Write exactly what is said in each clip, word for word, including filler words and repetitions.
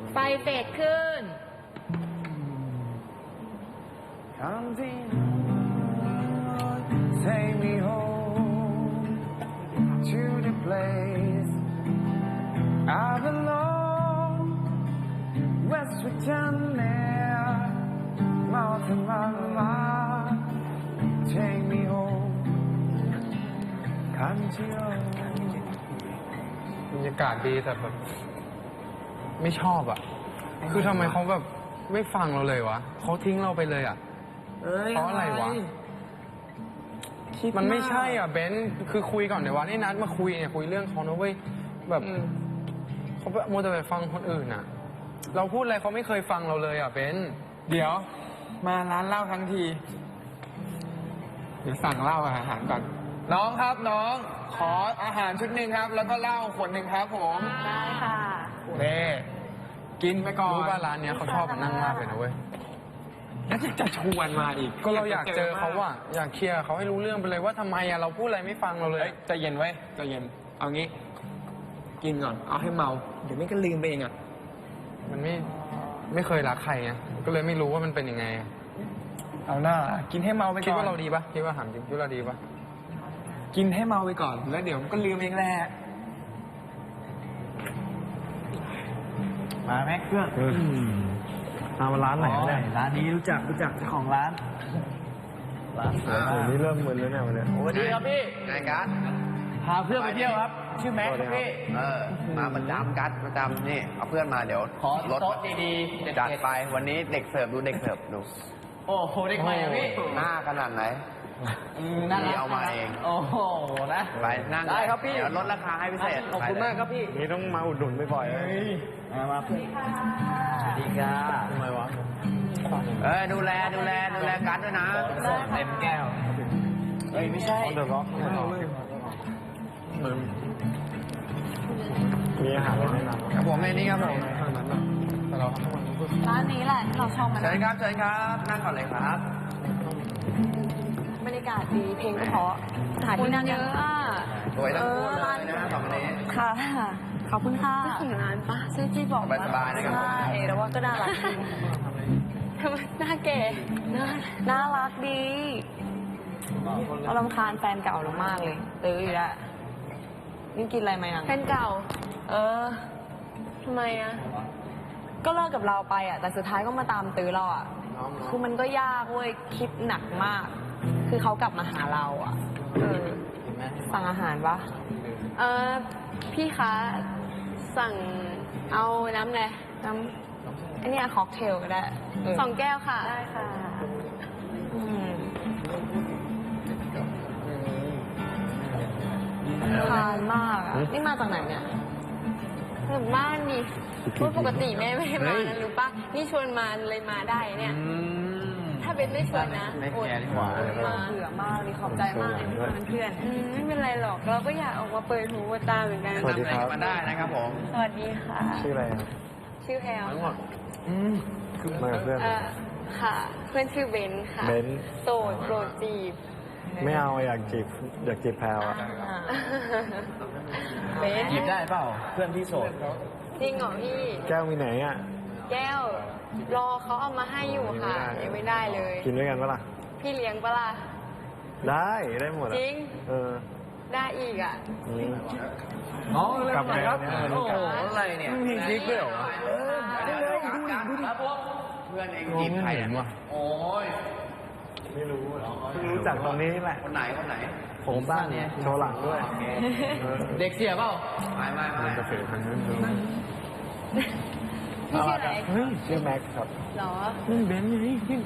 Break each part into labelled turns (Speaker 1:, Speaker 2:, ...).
Speaker 1: ไฟเฟดขึ้น
Speaker 2: Take me home to the place I belong, West Virginia, Mountain Mama. Take me home, country road.
Speaker 3: บรรยากาศดีแต่แบบไม่ชอบอ่ะ คือทำไมเขาแบบไม่ฟังเราเลยวะเขาทิ้งเราไปเลยอ่ะเพราะอะไรวะมันไม่ใช่อ่ะเบนซ์คือคุยก่อนเดี๋ยววันนี้นัดมาคุยเนี่ยคุยเรื่องเขานะเว้ยแบบเขาโมวแต่ไปฟังคนอื่นอ่ะ เราพูดอะไรเขาไม่เคยฟังเราเลยอ่ะเบนซ์
Speaker 4: เดี๋ยวมาร้านเหล้าทั้งทีเดี๋ยวสั่งเหล้าอาหารก่อนน้องครับน้องขออาหารชุดหนึ่งครับ แล้วก็เหล้าขวดหนึ่งครับผม
Speaker 1: ได้ค่ะ
Speaker 4: เน่กินไปก่อน
Speaker 3: รู้ว่าร้านเนี้ยเขาชอบนั่งมากเลยนะเว้ย
Speaker 4: แล้วจะชวนมาอีก
Speaker 3: ก็เราอยากเจอเขาอ่ะอยากเคลียร์เขาให้รู้เรื่องไปเลยว่าทำไมอ่ะเราพูดอะไรไม่ฟังเราเลย
Speaker 4: เฮ้ยใจเย็นไว้ใจเย็นเอางี้ กินก่อนเอาให้เมาเดี๋ยวไม่ก็ลืมไปเองอ่ะ
Speaker 3: มันไม่ไม่เคยรักใครไงก็เลยไม่รู้ว่ามันเป็นยังไง
Speaker 4: เอาหน้ากินให้เมาไปก่อน
Speaker 3: คิดว่าเราดีปะคิดว่าถามจริงคิดว่าเราดีปะ
Speaker 4: กินให้เมาไปก่อนแล้วเดี๋ยวมันก็ลืมเองแหละมาไหมเพื่อนมาร้านไหนเนี่ยร้านนี้รู้จักรู้จักเจ้าของร้านร้านสวยมาก
Speaker 2: นี่เริ่มมึนแล้วเนี่ยวันนี้
Speaker 5: สวัสดีครับพี่นายกัส
Speaker 4: พาเพื่อนไปเที่ยวครับ ชื่อแม็กซ์ครับพี่
Speaker 5: เออ มาประจำกัสประจำนี่ เอาเพื่อนมาเดี๋ยว
Speaker 4: ขอ
Speaker 5: รถ
Speaker 4: โต๊ะดีๆ
Speaker 5: จัดไป วันนี้เด็กเสิร์ฟดูเด็กเสิร์ฟดู
Speaker 4: โอ้โหเด็กใหม่อะพี่
Speaker 5: หน้าขนาดไหน
Speaker 4: อืมน่ารัก
Speaker 5: นี่เอามาเอง
Speaker 4: โอ้โหนะ
Speaker 5: ไปนั่ง
Speaker 4: ได้ครับพี่
Speaker 5: เดี๋ยวลดราคาให้พิเศษ
Speaker 4: ขอบคุณมากครับพี่
Speaker 2: นี่ต้องมาอุดหนุนบ่อยๆเลย
Speaker 4: มามาเพื่อนสวัสดีครับทำไมวะ
Speaker 5: เออดูแลดูแลดูแลกัสด้วยนะ
Speaker 4: เต็มแก้วเฮ้ยไม่ใช่
Speaker 2: On the rock มีอาหารอะไรแนะนำ
Speaker 5: ครับผมในนี้ครับผม
Speaker 3: แต่เราทำทุกวัน
Speaker 1: ร้านนี้แหละที่เราชอบมัน
Speaker 5: เชิญครับเชิญครับ นั่งก่อนเลยครับ
Speaker 1: บรรยากาศดีเพลงก็เพราะสถานที่นั่งเยอะอ่ะ
Speaker 5: สวยทั้งคู่เลยนะสองคนนี้
Speaker 1: ค่ะ ขอบคุณค่ะถึงร้านปะซึ่งที่บอก
Speaker 5: สบายๆนะครับ
Speaker 1: ใช่แล้วว่าก็น่ารักดีทำไมหน้าแก่น่าน่ารักดีเรารำคาญแฟนเก่าเรามากเลยตื้ออยู่แล้วนี่กินอะไรมายัง
Speaker 6: แฟนเก่า
Speaker 1: เออ
Speaker 6: ทำไมอะ
Speaker 1: ก็เลิกกับเราไปอ่ะแต่สุดท้ายก็มาตามตื้อเราอ่ะคือมันก็ยากเว้ยคิดหนักมาก คือเขากลับมาหาเราอ่ะเออสั่งอาหารปะ
Speaker 6: เออพี่คะ สั่งเอาน้ำอะไร
Speaker 1: น้ำอันนี้ค็อกเทลก็ได้เ
Speaker 6: สองแก้วค่ะ
Speaker 1: ได้ค่ะอืมทานมากอ่ะนี่มาจากไหนเนี่ย
Speaker 6: แบบบ้านนี่พูดปกติแม่ไม่ให้มานะรู้ปะนี่ชวนมาเลยมาได้เนี่ย ถ้าเป็นไม่ชวนนะ
Speaker 5: ไม่
Speaker 6: อด
Speaker 5: แคร์ดีกว่า
Speaker 6: อดมา
Speaker 1: เบื่อมากเลยขอบใจมากเลยที่เป็นเพื่อน
Speaker 6: อืมไม่เป็นไรหรอก เราก็อยากออกมาเปิดหูเปิดตาเหมือนกัน
Speaker 2: สวัสดีครับ
Speaker 5: มาได้นะครับผม
Speaker 6: สวัสดีค่ะ
Speaker 2: ชื่ออะไรครับ
Speaker 6: ชื่อแพลว
Speaker 3: ทั้งหมด
Speaker 2: มากับเพื่อน
Speaker 6: เออค่ะ เพื่อนชื่อเบนซ์ค่ะ
Speaker 2: เบนซ์
Speaker 6: โสดโปรดจีบ
Speaker 2: ไม่เอาอยากจีบอยากจีบแพลวอ่ะ
Speaker 1: อ่า
Speaker 6: เบนซ์
Speaker 4: หยิบได้เปล่า เพื่อนที่โสด
Speaker 6: จริงเหรอพี่
Speaker 2: แก้วมีไหนอ่ะ
Speaker 6: แก้ว รอเขาเอามาให้อยู่ค่ะ ยังไม่ได้เลย
Speaker 2: กินด้วยกันปะล่ะ
Speaker 6: พี่เลี้ยงปะล่ะ
Speaker 2: ได้ได้หมด
Speaker 6: จ
Speaker 2: อ่ะ
Speaker 6: ริง
Speaker 2: เออ
Speaker 6: ได้อีกอ่ะ
Speaker 2: อืม
Speaker 4: อ๋อ
Speaker 2: กลับมาแล้วเนี่ย
Speaker 4: โอ้โหอะไรเนี่ย
Speaker 2: มีคลิปด้วยเหรอวะ
Speaker 5: เพื่อนเองจีบใครอ่ะโอ้ย
Speaker 2: ไม่รู้เพิ่งรู้จักตรงนี้แหละ
Speaker 5: คนไหนคนไหน
Speaker 2: ผมสั้นโชว์หลังด้วยเออ
Speaker 4: เด็กเสียเปล่า
Speaker 5: ไม่ไม่ไม่
Speaker 3: กาแฟพันนั้น
Speaker 6: พี่ชื่ออะไร
Speaker 2: เฮ้ยชื่อแม็กซ์ครับ
Speaker 6: หรอ
Speaker 3: นี่เบนซ์ไงนี่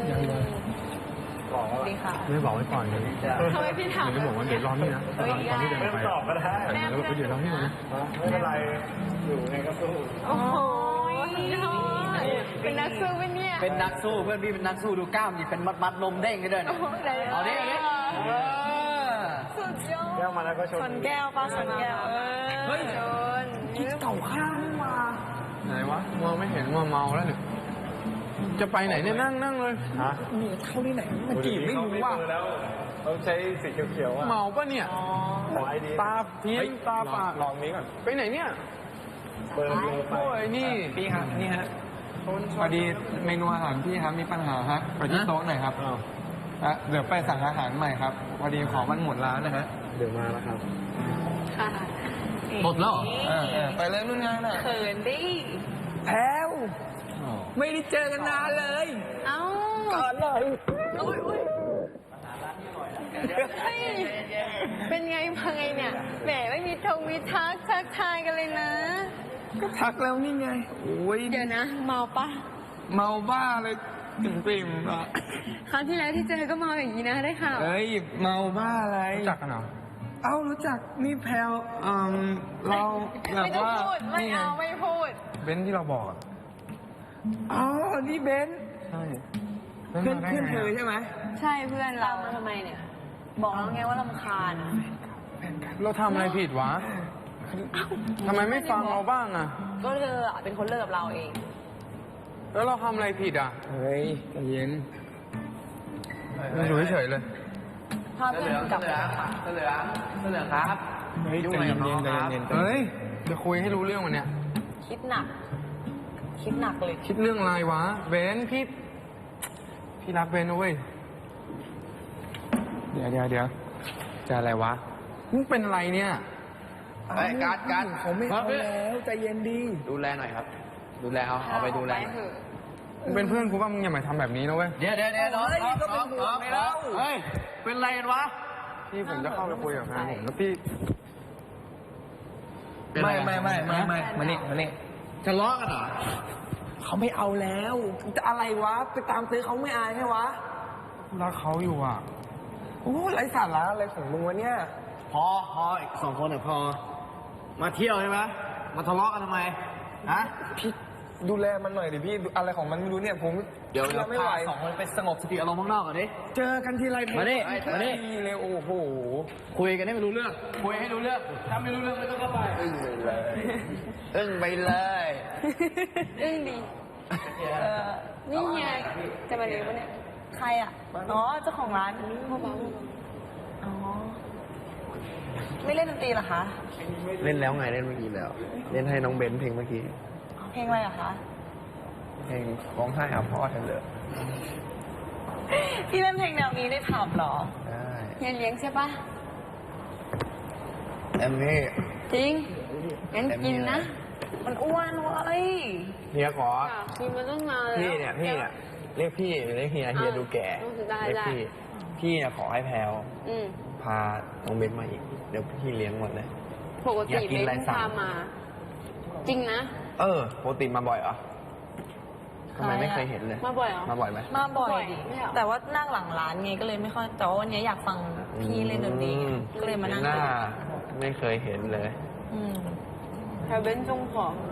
Speaker 2: บอกว่า
Speaker 1: ดีค่ะ
Speaker 3: ไม่บอกไว้ก่อนเลย
Speaker 6: ทำไมพี่ถาม
Speaker 3: เดี๋ยวบอกว่าเดี๋ยวรอนี่นะตอนตอนที่เดิน
Speaker 2: ไม่
Speaker 3: ไป
Speaker 2: ตอบก็ได้
Speaker 3: แล้วก็เดี๋ยวรอนี่ก่อนนะ
Speaker 2: ไม่เป็นไรอยู่ไงก็สู้
Speaker 6: โอ้โหเป็นนักสู้ปะเนี่ย
Speaker 4: เป็นนักสู้เพื่อนพี่เป็นนักสู้ดูกล้ามดิเป็นมัดมัดนมเด้งกันด้วย
Speaker 6: โอ้
Speaker 4: นะ
Speaker 6: โหไหน
Speaker 4: เอาดิเอาดิเออ
Speaker 6: สุดยอด
Speaker 2: แก้วมาแล้วก็ชน
Speaker 1: ชนแก้วป้าชนแก้ว
Speaker 6: เออ
Speaker 4: เฮ้ย
Speaker 6: ชน
Speaker 4: เก่าข้างมา
Speaker 3: ไหนวะมองไม่เห็นมัวเมาแล้วเนี่ยจะไปไหนเนี่ยนั่งนั่งเลย
Speaker 2: ฮะ
Speaker 4: เนี่ยเท่านี้ไหนมันจีบไม่รู้ว่า
Speaker 2: แล้วเขาใช้สีเขียวๆอ่ะ
Speaker 3: เมาปะเนี่ย
Speaker 2: ขอไอดี
Speaker 3: ตาเพี้ยนตาฝาด
Speaker 2: ลองนี้ก่อน
Speaker 3: ไปไหนเนี่ย
Speaker 1: ใช่
Speaker 2: เบอร์เบอร์ไป
Speaker 3: โอ้ยนี่
Speaker 4: พี่ครับนี่ฮะพอดีเมนูอาหารพี่ครับมีปัญหาฮะไปที่โต๊ะหน่อยครับ
Speaker 2: อ้าว
Speaker 4: อ่ะเดี๋ยวไปสั่งอาหารใหม่ครับ พอดีของมันหมดร้านนะฮะ
Speaker 2: เดี๋ยวมาแล้วครับ
Speaker 6: ค่ะ
Speaker 4: หมดแล้วเหรอเออเออไปเลยนู่นงานน่ะ
Speaker 1: เขินดิ
Speaker 4: แพลวไม่ได้เจอกันนานเลย
Speaker 6: เอ้า
Speaker 4: ก่อนเลย
Speaker 6: อุ้ยอุ้ยเฮ้ยเป็นไงมาไงเนี่ย แหมไม่มีทงมีทักทักทายกันเลยนะ
Speaker 4: ก็ทักแล้วนี่ไงโอ้ย
Speaker 6: เดี๋ยวนะ เมาปะ
Speaker 4: เมาบ้าเลยถึงปริ่มอ่ะ
Speaker 6: ครั้งที่แล้วที่เจอก็เมาอย่างนี้นะได้ข่าว
Speaker 4: เอ้ยเมาบ้าอะไร
Speaker 3: รู้จักกันเหรอ
Speaker 4: เอ้ารู้จักนี่แพลวอืมเราแบบ
Speaker 6: ไม่ต้อง
Speaker 4: ว่า
Speaker 6: พูด ไม่
Speaker 4: นี่ไง
Speaker 6: เอาไม่พูด
Speaker 3: เบนซ์ที่เราบอกอะ
Speaker 4: อ๋อนี่เบนซ์
Speaker 3: ใช่
Speaker 4: เพื่อนเพื่อนเธอใช่ไหม
Speaker 6: ใช่เพื่อนเรา
Speaker 1: ทำไมเนี่ย บอกแล้วไงว่าลำคาญ
Speaker 3: เราทำอะไรผิดวะทำไมไม่ฟังเราบ้างอะ
Speaker 1: ก็เธออะเป็นคนเลิกกับเราเอง
Speaker 3: แล้วเราทำอะไรผิดอะ
Speaker 4: เฮ้ยใจเย็น
Speaker 3: อยู่เฉยๆเลย
Speaker 1: พาเพื่อนกลับไป
Speaker 5: เสื้อเหลืองเสื้อเหลืองครับ
Speaker 4: เฮ้ยใจเย็นๆใจเย็นๆ
Speaker 3: เฮ้ยจะคุยให้รู้เรื่องวันเนี้ย
Speaker 1: คิดหนัก คิดหนักเลย
Speaker 3: คิดเรื่องอะไรวะเบนซ์พี่ พี่รักเบนซ์นะเว้ย
Speaker 4: เดี๋ยวเดี๋ยวเดี๋ยวจะอะไรวะ
Speaker 3: มึงเป็นอะไรเนี่ย
Speaker 5: เฮ้ยการ์ดการ์ด
Speaker 4: เขาไม่เอาแล้วใจเย็นดี
Speaker 5: ดูแลหน่อยครับ ดูแลเอาเอาไปดูแลหน่อย
Speaker 6: เถอะ
Speaker 3: มึงเป็นเพื่อนกูป่ะมึงอย่ามาทำแบบนี้นะเว้ย
Speaker 5: เดี๋ยวเดี๋ยวเดี๋ยวน้องน้องน้องน้องน้องเฮ้ย เป็นไรกันวะ
Speaker 3: พี่ผมจะเข้าไปคุยกับแฟนผมแล้วพี่
Speaker 4: ไม่ไม่ไม่ไม่ไม่มานี่มานี่
Speaker 5: ทะเลาะกันเหรอ
Speaker 4: เขาไม่เอาแล้วจะอะไรวะไปตามซื้อเขาไม่อายใช่วะ
Speaker 3: รักเขาอยู่อ่ะ
Speaker 4: โอ้ไร้สาระอะไรของมึงวะเนี่ย
Speaker 5: พอพออีกสองคนเนี่ยพอ มาเที่ยวใช่ไหมมาทะเลาะกันทำไม ฮะ
Speaker 4: พี่ดูแลมันหน่อยดิพี่อะไรของมันไม่รู้เนี่ยผม
Speaker 5: เดี๋ยวเรา
Speaker 4: ไม่ไหว
Speaker 5: พาสองคนไปสงบสติอารมณ์ข้างนอกก่อนดิ
Speaker 4: เจอกันทีไร
Speaker 5: มานี่มานี่
Speaker 4: ดีเลยโอ้โห
Speaker 5: คุยกันให้ไม่รู้เรื่อง คุยให้รู้เรื่อง ถ้าไม่รู้เรื่องไม่ต้องเข้าไป อึ้งไปเลย อึ้งไปเลย
Speaker 6: อึ้งดีนี่ไงจะมาเลี้ยงปะเนี่ย
Speaker 1: ใครอ่ะ อ๋อ เจ้าของร้านอ๋อ ไม่เล่นดนตรีเหรอคะ
Speaker 5: เล่นแล้วไงเล่นเมื่อกี้แล้ว เล่นให้น้องเบนซ์เพลงเมื่อกี้
Speaker 1: เพลงอะไรอะคะ
Speaker 5: เพลงร้องไห้หาพ่อเธอเลย
Speaker 1: พี่เล่นเพลงแนวนี้ได้ผับเหรอ
Speaker 5: ได้
Speaker 6: เฮียเลี้ยงใช่ปะ
Speaker 5: แอมมี่
Speaker 6: จริง งั้นกินนะ
Speaker 1: มันอ้วนเว้ย
Speaker 5: เฮียขอ
Speaker 6: อยากกินมาตั้งนานแล้ว
Speaker 5: พี่เนี่ยพี่เนี่ยเรียกพี่เรียกเฮียเฮียดูแก่
Speaker 6: ได้
Speaker 5: เรียก
Speaker 6: ได้
Speaker 5: พี่ พี่เนี่ยขอให้แพลว
Speaker 6: อืม
Speaker 5: พาน้องเบนซ์มาอีก เดี๋ยวพี่เลี้ยงหมดเลย
Speaker 6: ปก
Speaker 5: อยา
Speaker 6: ติ
Speaker 5: กกิน
Speaker 6: เบ
Speaker 5: อะไร
Speaker 6: น
Speaker 5: สั่ง
Speaker 6: พามา จริงนะ
Speaker 5: เออปกติมาบ่อยเหรอทำไมไม่เคยเห็นเลย
Speaker 6: มาบ่อยเหรอ
Speaker 5: มาบ่อยไหม
Speaker 1: มาบ่อยดิ
Speaker 6: ไม่เหรอ
Speaker 1: แต่ว่านั่งหลังร้านไงก็เลยไม่ค่อย แต่ว่าวันนี้อยากฟังพี่เล่นดนตรีไง
Speaker 5: อืม
Speaker 1: ก็เลยมานั่ง
Speaker 5: หน้า
Speaker 1: ดู
Speaker 5: ไม่เคยเห็นเลย
Speaker 1: อืม
Speaker 6: แถวเบนจงผอม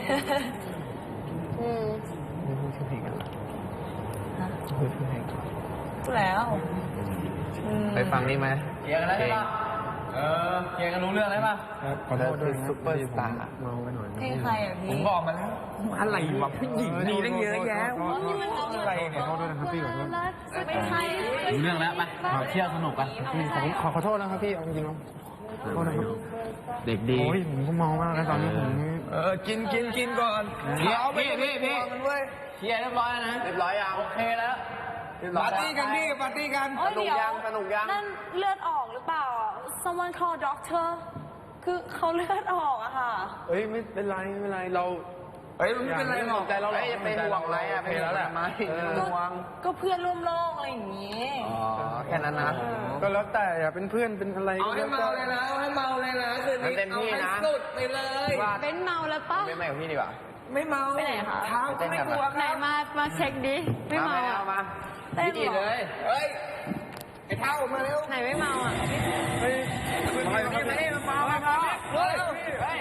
Speaker 6: อืม
Speaker 5: ไม่พูดชื่อเพลงกันเหรอพูดชื่อเพลงก่อน
Speaker 1: พูดแล้วอืม
Speaker 5: ไปฟังนี่ไหมเกียร์กันแล้วใช่ปะเออเกียร์กันรู้เรื่องแล้วป่ะ
Speaker 3: ขอโทษด้วย
Speaker 5: ซุปเปอร์สตาร์
Speaker 3: เมาไปหน่อย
Speaker 1: เพลงใครอ่ะพี่
Speaker 4: ผมบอกมาแล้วอะไรวะผู้หญิงมีตั้งเยอะแยะ
Speaker 6: นี่มัน
Speaker 4: อะไรเนี่ย
Speaker 3: ขอโทษด้วยนะครับพี่ขอโทษ
Speaker 6: ไม่ใช่
Speaker 5: รู้เรื่องแล้วไปเที่ยวสนุกกัน
Speaker 3: พี่ผมขอขอโทษนะครับพี่เอาจริงๆแล้วขอโทษนะครับ
Speaker 5: เด็กดี
Speaker 3: โอ้ยผมก็เมามากแล้วตอนนี้ผม
Speaker 4: เออกินกินกินก่อน
Speaker 5: พี่
Speaker 4: เอาไป
Speaker 5: พี่พี่พี่
Speaker 4: มันเว้ย
Speaker 5: เคลียร์เรียบร้อยแล้วนะ เรียบร้อยยังโอเคแล้วเรียบร้อ
Speaker 4: ปาย ร์ตี้กันพี่ปาร์ตี้กัน
Speaker 1: โอ้ย
Speaker 5: สนุก
Speaker 1: เดี๋ยว
Speaker 5: ยังสนุกยัง
Speaker 1: นั่นเลือดออกหรือเปล่า someone call doctor คือเขาเลือดออกอะค่ะ
Speaker 3: เอ้ยไม่เป็นไรไม่เป็นไรเรา
Speaker 4: เฮ้ยมันไม่เป็นไรหรอก
Speaker 5: ใจเราหรอกจะไปห่วงอะไรอ่ะไปแล้วแหละไหม
Speaker 1: ก็ก็เพื่อนร่วมโลกอะไรอย่างงี้
Speaker 5: อ๋อแค่นั้นนะ
Speaker 3: ก็แล้วแต่อย่าเป็นเพื่อนเป็นอะไร
Speaker 4: เอา
Speaker 3: ก็
Speaker 4: ให้
Speaker 3: แล้ว
Speaker 4: เมา
Speaker 3: แต่
Speaker 4: เลยนะเอาให้เมาเลยนะคืนนี้
Speaker 5: เต็ม
Speaker 4: เอา
Speaker 5: ที่
Speaker 4: ให้
Speaker 5: นะ
Speaker 4: สุดไปเลย
Speaker 5: ว่า
Speaker 6: เบนเมาแล้วปะ
Speaker 5: ไม่ไม่กับพี่ดีกว่า
Speaker 4: ไม่เมา
Speaker 1: ไปไหนคะ
Speaker 4: เท้าก็ไม่กลัวค
Speaker 6: ไหน
Speaker 4: รับ
Speaker 6: มา มาเช็คดิ ไม่เมา
Speaker 5: เอา
Speaker 6: อ่ะ
Speaker 5: มา
Speaker 1: เต้น
Speaker 5: พี่
Speaker 1: เหรอ
Speaker 5: เลย
Speaker 4: เฮ้ยไอ้เท้ามาเร็ว
Speaker 6: ไหนไม่เมาอ่ะ
Speaker 3: เฮ้ย
Speaker 4: มานี่มานี่มาเมามาเฮ้ยเฮ้ย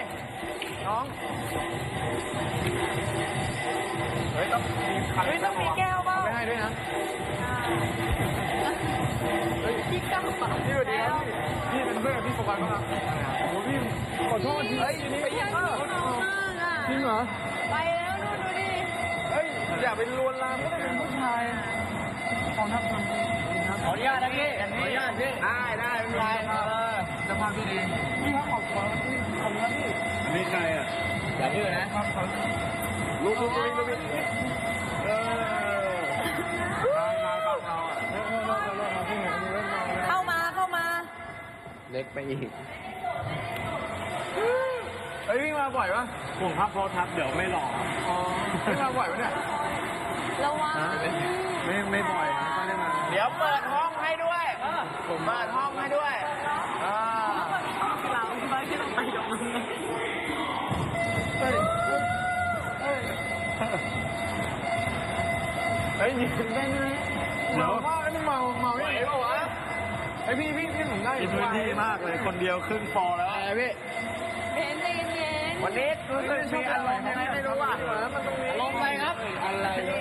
Speaker 3: เฮ้ยต้องมีคัน
Speaker 1: เฮ้ยต้องมีแก้วเปล่า
Speaker 3: ไม่ให้ด้วยนะ
Speaker 1: พี่ก้าวเปล่า
Speaker 3: พี่สวัสดีครับพี่พี่เป็นเพื่อนกับพี่โฟกัสป่ะครับโอ้โหพี่ขอโทษที
Speaker 4: เฮ้ยไปยิงเออ
Speaker 6: เมามากอ่ะ
Speaker 3: จริงเหรอ
Speaker 6: ไปแล้วดูดูดิ
Speaker 3: เฮ้ยอย่าไปลวนลามก็ต้องเป็นผู้ชายขอทับทำครับ
Speaker 5: ขออนุญาตนะพี่ขออนุญาตพี่
Speaker 4: ได้ได้ไม่เป็นไร
Speaker 3: จะพาพี่เองพี่ครับขอบคุณพี่ขอบคุณครับพี่
Speaker 2: อันนี้ใครอ่ะ
Speaker 3: พ
Speaker 5: อย่าดื้อนะ
Speaker 2: ลุกลุกลุกลุกเออตายตายปากเราอ่ะ
Speaker 1: เข้ามาเข้ามา
Speaker 5: เล็กไปอีก
Speaker 3: เอ้ยวิ่งมาบ่อยปะ
Speaker 2: ผมพับโพทับเดี๋ยวไม่หล่อ
Speaker 3: อ๋อวิ่งมาบ่อยปะเนี่ย
Speaker 1: ระวัง
Speaker 2: ไม่ไม่บ่อยนะไม่ได้มา
Speaker 5: เดี๋ยวเปิดห้องให้ด้วยผมเปิดห้องให้ด้วยอ่า
Speaker 1: เราไม่ที่ต้องไปยกมือ
Speaker 3: เฮ้ยยิงได้ไหมเมามากนี่เมาเมาไหวเปล่าวะไอพี่พี่พี่ผมได้
Speaker 2: มีพื้นที่มากเลย คนเดียวครึ่งฟอร์แล้ว
Speaker 5: อะไรพี่
Speaker 1: เพนใจเย็น
Speaker 5: วันนี้รู้สึกมีอารมณ์ยังไงไม่รู้อ่ะ
Speaker 3: มันตรงนี้
Speaker 5: ลงไปครับ อะไร
Speaker 1: ๆ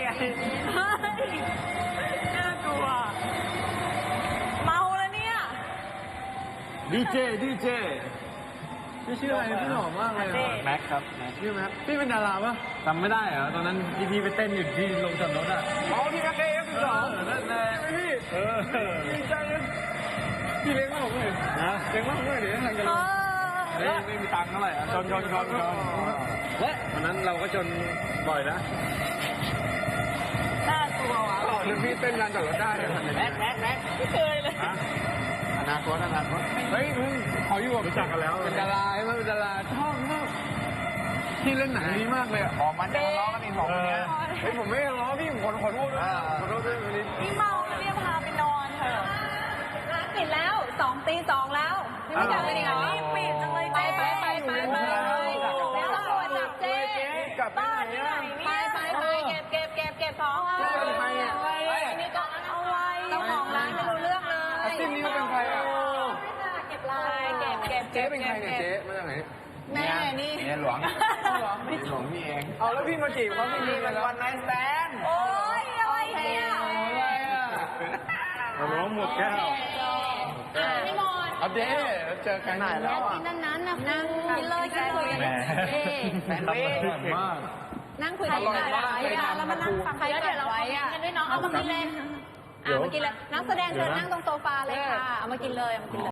Speaker 1: น่ากลัว เมาแล้วเนี่ย
Speaker 2: ดีเจดีเจ
Speaker 3: พี่ชื่ออะไรพี่หล่อมากเลย
Speaker 2: แม็กครับแม็ก
Speaker 3: ชื่อแม็กพี่เป็นดาราปะ
Speaker 2: จำไม่ได้เหรอตอนนั้นที่พี่ไปเต้นอยู่ที่ลงจอดรถอ่ะ
Speaker 3: อ๋อพี่แม็กเอฟสิบสอง
Speaker 2: นั่นแหละ
Speaker 3: พี่
Speaker 2: เออ
Speaker 3: ดีใจนะพี่เลี้ยงผมเลย
Speaker 2: นะ
Speaker 3: เลี้ยงผมเลยเดี๋ยวทางกัน
Speaker 1: เอ
Speaker 3: เลย
Speaker 1: อ
Speaker 2: ไม่ไม่มีตังค์เท่าไหร่อ่ะชนชนชนชนและวันนั้นเราก็ชนบ่อยนะ
Speaker 1: น่ากลัวว่ะ
Speaker 3: หล่อนะพี่เต้นงานจอดรถได้
Speaker 5: แม็กแม็กแม็ก
Speaker 1: ไม่เคยเลย
Speaker 2: ฮะ
Speaker 5: อนาคตอนาคต
Speaker 3: เฮ้ยมึงขออยู่กับ
Speaker 2: รู้จักกันแล้ว
Speaker 3: เป็นดาราใช่ไหมเป็นดาราชอบมากพี่เล่นหนังดีมากเลยอ่ะ
Speaker 5: ออกมันจะทะเลาะกันอีกสองคนเนี้ย
Speaker 3: เฮ้ยผมไม่ได้ล้อพี่ผมขอขอโทษด้วยขอโทษด้วยวันนี้
Speaker 1: นี่เมาแล้วเนี่ยพาไปนอนเถอะร้านปิดแล้วสองตีสองแล้วยังไม่กลับไปอีกเหรอรีบปิดจังเลยไปไปไปไปไปเดี๋ยวตำรวจจับเจ๊บ้านที่ไหนเนี่ยไปไปไปเก็บเก็บเก็บเก็บของเอาไปอันนี้ก็เอาไว้เจ้าของร้านไม่รู้เรื่องเลย
Speaker 3: อาชีพนี้เขาเป็นใครอ่ะ
Speaker 1: เก็บลายเก็บเก็บ
Speaker 3: เจ๊เป็นใครเนี่ยเจ๊มาจากไหน
Speaker 1: แม่นี่
Speaker 5: เนี่ยหลวงหลวงพี่เอง
Speaker 3: เอาแล้วพี่มาจีบเขาพี่
Speaker 5: นี่
Speaker 3: นี่
Speaker 5: เป็
Speaker 3: เป็น น
Speaker 5: วั
Speaker 3: วัน น
Speaker 5: ไนท์สแตน
Speaker 1: โอ้ยอะไรเนี่ย
Speaker 3: อะไรอ่ะ
Speaker 2: เราร้องหมดแก้ว
Speaker 1: พี่มอน
Speaker 3: เอาเจ๊เจอกันไหนแล้ว
Speaker 6: กินนั้นๆนะ
Speaker 1: นั่งกินเลยกินเลย
Speaker 2: แหม
Speaker 5: แซนด์วิช
Speaker 2: มาก
Speaker 6: นั่งคุย
Speaker 1: ใคร
Speaker 6: กัน
Speaker 1: กัด
Speaker 6: ไว้
Speaker 1: ไว้อะแล้วมานั่งฟังใครกัดไว้อะด้วยน้องเอามากินเลยอ่ะมากินเลยนักแสดงเชิญนั่งตรงโซฟาเลยค่ะเอามากินเลยเอามากินเลย